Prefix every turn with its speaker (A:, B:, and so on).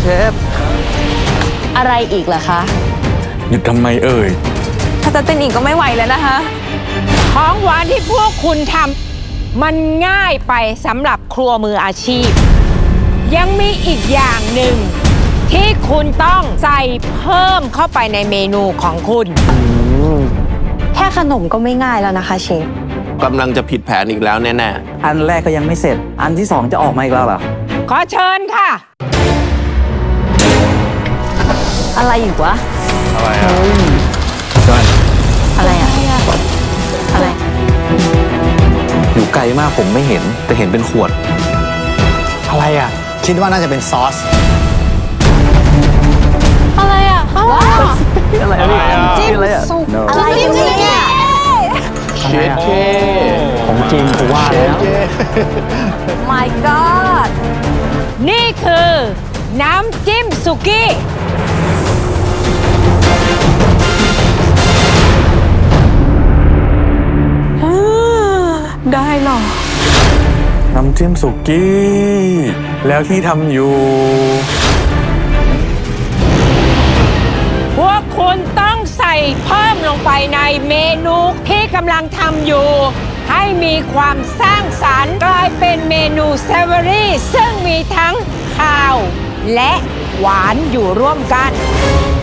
A: ฟ
B: อะไรอีกล่ะคะ
C: หยุดทำไมเอ่ย
B: ถ้าจะเต้นอีกก็ไม่ไหวแล้วนะคะ
D: ของหวานที่พวกคุณทำมันง่ายไปสำหรับครัวมืออาชีพ ยังมีอีกอย่างหนึ่งที่คุณต้องใส่เพิ่มเข้าไปในเมนูของคุณ
B: แค่ขนมก็ไม่ง่ายแล้วนะคะเชฟ
A: กำลังจะผิดแผนอีกแล้วแน่
E: อันแรกก็ยังไม่เสร็จ อันที่สองจะออกมาอีกแล้วเหรอ
D: ขอเชิญค่ะ
B: อะไรอีกวะ
C: อะไรอ่ะจอน
B: อะไรอะอะไร
E: อยู่ไกลมากผมไม่เห็น แต่เห็นเป็นขวด
C: อะไรอ่ะ
F: คิดว่าน่าจะเป็นซอส
B: อะไรอะว้าว
E: อะไรอ่ะ
B: จิ้ม
E: อะไรอ่ะ
B: สุกอะไรเนี่ย
A: ๆเชฟเค
E: ของจริงกูว่าแล้ว
B: My God
D: นี่คือน้ำจิ้มสุกี้
B: ได้หรอ
C: น้ำจิ้มสุกี้ แล้วที่ทำอยู่
D: พวกคุณต้องใส่เพิ่มลงไปในเมนูที่กำลังทำอยู่ ให้มีความสร้างสรรค์กลายเป็นเมนูเซเวอรี่ซึ่งมีทั้งข้าวและหวานอยู่ร่วมกัน